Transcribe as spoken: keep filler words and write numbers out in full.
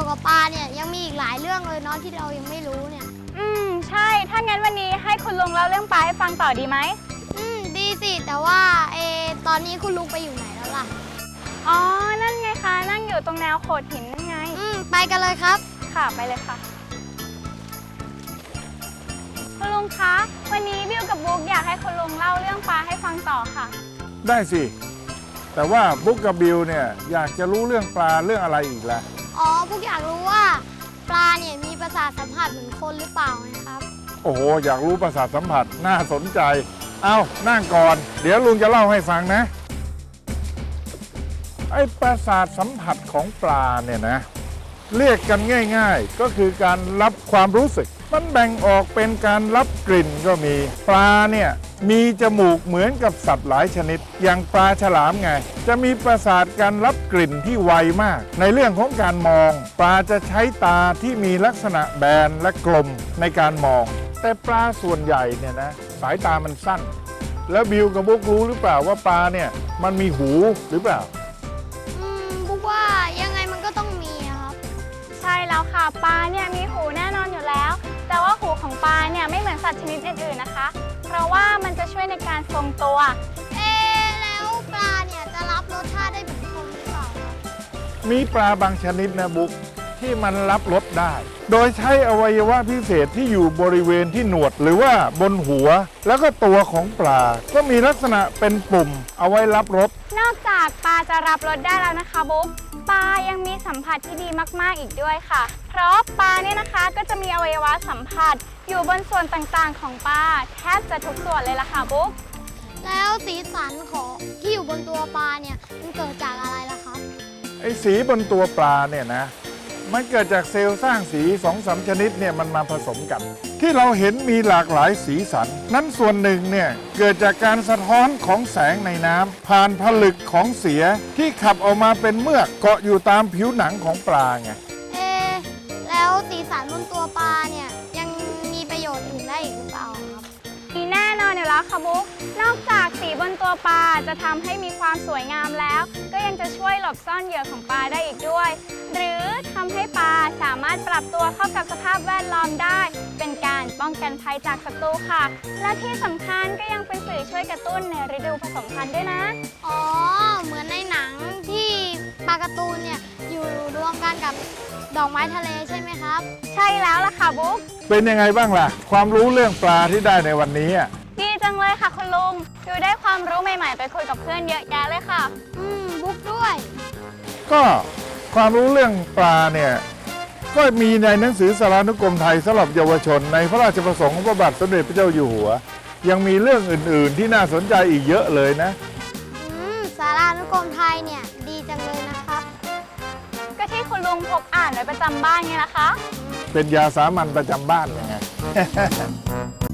กับปลาเนี่ยยังมีอีกหลายเรื่องเลยเนาะที่เรายังไม่รู้เนี่ยอืมใช่ถ้างั้นวันนี้ให้คุณลุงเล่าเรื่องปลาให้ฟังต่อดีไหมอืมดีสิแต่ว่าเอตอนนี้คุณลุงไปอยู่ไหนแล้วล่ะอ๋อนั่นไงคะนั่งอยู่ตรงแนวโขดหินนั่นไงอืมไปกันเลยครับค่ะไปเลยค่ะคุณลุงคะวันนี้บิวกับบุ๊กอยากให้คุณลุงเล่าเรื่องปลาให้ฟังต่อค่ะได้สิแต่ว่าบุ๊กกับบิวเนี่ยอยากจะรู้เรื่องปลาเรื่องอะไรอีกล่ะอ๋อพวกอยากรู้ว่าปลาเนี่ยมีประสาทสัมผัสเหมือนคนหรือเปล่านะครับโอ้โหอยากรู้ประสาทสัมผัสน่าสนใจเอานั่งก่อนเดี๋ยวลุงจะเล่าให้ฟังนะไอ้ประสาทสัมผัสของปลาเนี่ยนะเรียกกันง่ายๆก็คือการรับความรู้สึกมันแบ่งออกเป็นการรับกลิ่นก็มีปลาเนี่ยมีจมูกเหมือนกับสัตว์หลายชนิดอย่างปลาฉลามไงจะมีประสาทการรับกลิ่นที่ไวมากในเรื่องของการมองปลาจะใช้ตาที่มีลักษณะแบนและกลมในการมองแต่ปลาส่วนใหญ่เนี่ยนะสายตามันสั้นแล้วบิวกับบุ๊กรู้หรือเปล่าว่าปลาเนี่ยมันมีหูหรือเปล่าอืมบุ๊กว่ายังไงมันก็ต้องมีครับใช่แล้วค่ะปลาเนี่ยมีหูแน่นอนอยู่แล้วแต่ว่าหูของปลาเนี่ยไม่เหมือนสัตว์ชนิดอื่นๆนะคะเพราะว่ามันจะช่วยในการทรงตัวเอ๊แล้วปลาเนี่ยจะรับรสชาติได้เหมือนคนหรือเปล่ามีปลาบางชนิดนะบุ๊กที่มันรับรสได้ โดยใช้อวัยวะพิเศษที่อยู่บริเวณที่หนวดหรือว่าบนหัวแล้วก็ตัวของปลาก็มีลักษณะเป็นปุ่มเอาไว้รับรสนอกจากปลาจะรับรสได้แล้วนะคะบุ๊กปลายังมีสัมผัสที่ดีมากๆอีกด้วยค่ะเพราะปลาเนี่ยนะคะก็จะมีอวัยวะสัมผัสอยู่บนส่วนต่างๆของปลาแทบจะทุกส่วนเลยล่ะค่ะบุ๊กแล้วสีสันของที่อยู่บนตัวปลาเนี่ยมันเกิดจากอะไรล่ะครับไอ้สีบนตัวปลาเนี่ยนะมันเกิดจากเซลล์สร้างสีสองสามชนิดเนี่ยมันมาผสมกันที่เราเห็นมีหลากหลายสีสันนั้นส่วนหนึ่งเนี่ยเกิดจากการสะท้อนของแสงในน้ำผ่านผลึกของเสียที่ขับออกมาเป็นเมือกเกาะอยู่ตามผิวหนังของปลาไงเอ๊แล้วสีสันบนตัวปลาเนี่ยยังมีประโยชน์อื่นได้อีกหรือเปล่าครับมีแน่นอนอยู่แล้วค่ะบุ๊กนอกจากสีบนตัวปลาจะทำให้มีความสวยงามแล้วก็ยังจะช่วยหลบซ่อนเหยื่อของปลาได้อีกด้วยหรือทำให้ปลาสามารถปรับตัวเข้ากับสภาพแวดล้อมได้เป็นการป้องกันภัยจากศัตรูค่ะและที่สำคัญก็ยังเป็นสื่อช่วยกระตุ้นในฤดูผสมพันธุ์ด้วยนะอ๋อเหมือนในหนังที่ปลาการ์ตูนเนี่ยอยู่รวมกันกับดอกไม้ทะเลใช่ไหมครับใช่แล้วล่ะค่ะบุ๊กเป็นยังไงบ้างล่ะความรู้เรื่องปลาที่ได้ในวันนี้ดีจังเลยค่ะคุณลุงดูได้ความรู้ใหม่ๆไปคุยกับเพื่อนเยอะแยะเลยค่ะอืมบุ๊กด้วยก็ความรู้เรื่องปลาเนี่ยก็มีในหนังสือสารานุกรมไทยสำหรับเยาวชนในพระราชประสงค์ของพระบาทสมเด็จพระเจ้าอยู่หัวยังมีเรื่องอื่นๆที่น่าสนใจอีกเยอะเลยนะอืมสารานุกรมไทยเนี่ยดีจังเลยนะครับก็ที่คุณลุงพกอ่านไว้ประจำบ้านไงล่ะคะเป็นยาสามัญประจำบ้านยังไง